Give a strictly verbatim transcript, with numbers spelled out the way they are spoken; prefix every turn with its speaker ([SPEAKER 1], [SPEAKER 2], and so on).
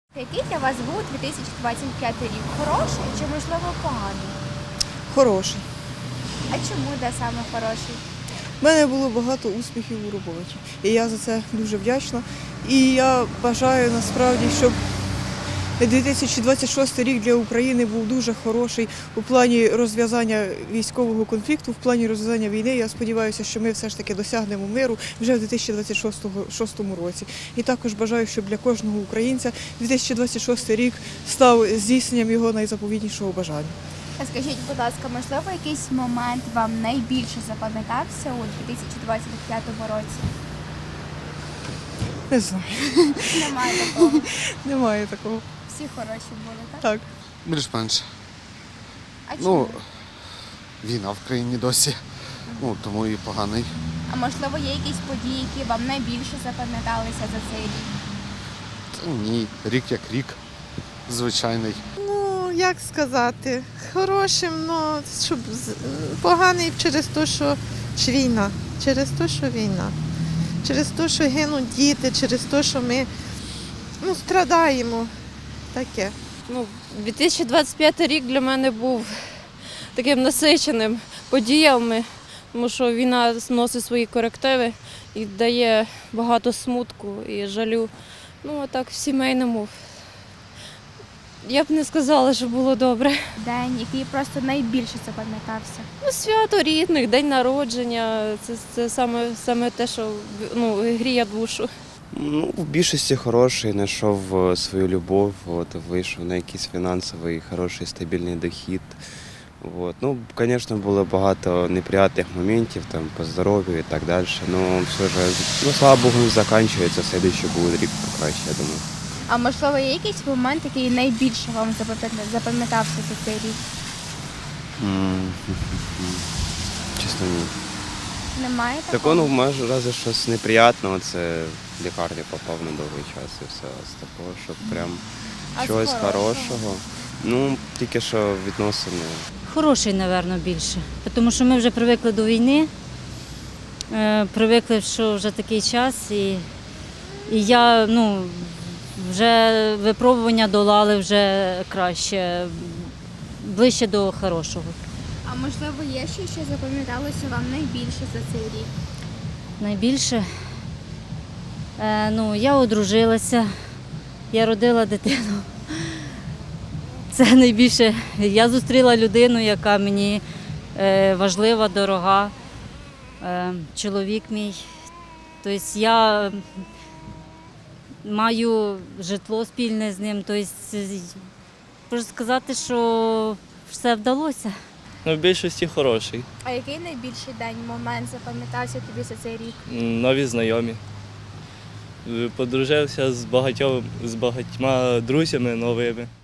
[SPEAKER 1] Який для вас був дві тисячі двадцять п'ятий рік? Хороший чи, можливо, поганий?
[SPEAKER 2] Хороший.
[SPEAKER 1] А чому, де саме хороший?
[SPEAKER 2] У мене було багато успіхів у роботі. І я за це дуже вдячна. І я бажаю насправді, щоб дві тисячі двадцять шостий рік для України був дуже хороший у плані розв'язання військового конфлікту, в плані розв'язання війни. Я сподіваюся, що ми все ж таки досягнемо миру вже в дві тисячі двадцять шостому році. І також бажаю, щоб для кожного українця дві тисячі двадцять шостий рік став здійсненням його найзаповітнішого бажання.
[SPEAKER 1] А скажіть, будь ласка, можливо, якийсь момент вам найбільше запам'ятався у дві тисячі двадцять п'ятому році?
[SPEAKER 2] Не знаю.
[SPEAKER 1] Немає такого.
[SPEAKER 2] Немає такого.
[SPEAKER 1] Всі хороші були, так?
[SPEAKER 2] Так.
[SPEAKER 3] Більш-менш.
[SPEAKER 1] А чому?
[SPEAKER 3] Ну, війна в країні досі, ну, тому і поганий.
[SPEAKER 1] А можливо, є якісь події, які вам найбільше запам'яталися за цей рік?
[SPEAKER 3] Та ні, рік як рік, звичайний.
[SPEAKER 4] Ну, як сказати, хорошим, ну, щоб з- поганий через те, що ж війна, через те, що війна, через те, що гинуть діти, через те, що ми ну, страдаємо. Таке.
[SPEAKER 5] Ну, дві тисячі двадцять п'ятий рік для мене був таким насиченим подіями, тому що війна вносить свої корективи і дає багато смутку і жалю. Ну, а так в сімейному. Я б не сказала, що було добре.
[SPEAKER 1] День, який просто найбільше запам'ятався.
[SPEAKER 5] Ну, свято рідних, день народження це, це саме, саме те, що ну, гріє душу.
[SPEAKER 6] Ну, в більшості хороший, знайшов е, свою любов, от, вийшов на якийсь фінансовий, хороший, стабільний дохід. От. Ну, звісно, було багато неприємних моментів там, по здоров'ю і так далі. Ну, все ж, ну, слава Богу, закінчується, слідуючий буде рік покраще, я думаю.
[SPEAKER 1] А можливо, є якийсь момент, який найбільше вам запам'ят- запам'ятався за цей рік?
[SPEAKER 6] М, Чесно, ні.
[SPEAKER 1] Немає
[SPEAKER 6] Так,
[SPEAKER 1] такого?
[SPEAKER 6] ну, може, разве щось неприємного, це в лікарню попав на довгий час і все. З такого, щоб прям
[SPEAKER 1] А з
[SPEAKER 6] чогось
[SPEAKER 1] хорошого?
[SPEAKER 6] хорошого. Ну, тільки що відносини.
[SPEAKER 7] Хороший, мабуть, більше. Тому що ми вже привикли до війни, е, привикли, що вже такий час, і, і я, ну, вже випробування долали вже краще, ближче до хорошого.
[SPEAKER 1] А можливо, є ще, що запам'яталося вам найбільше за цей рік?
[SPEAKER 7] Найбільше, е, ну, я одружилася, я родила дитину. Це найбільше. Я зустріла людину, яка мені е, важлива, дорога. Е, чоловік мій. Тобто я маю житло спільне з ним. Тобто, можу сказати, що все вдалося.
[SPEAKER 8] Ну, в більшості хороший.
[SPEAKER 1] А який найбільший день, момент запам'ятався тобі за цей рік?
[SPEAKER 8] М, Нові знайомі. Е, Подружився з багатьом, з багатьма друзями новими.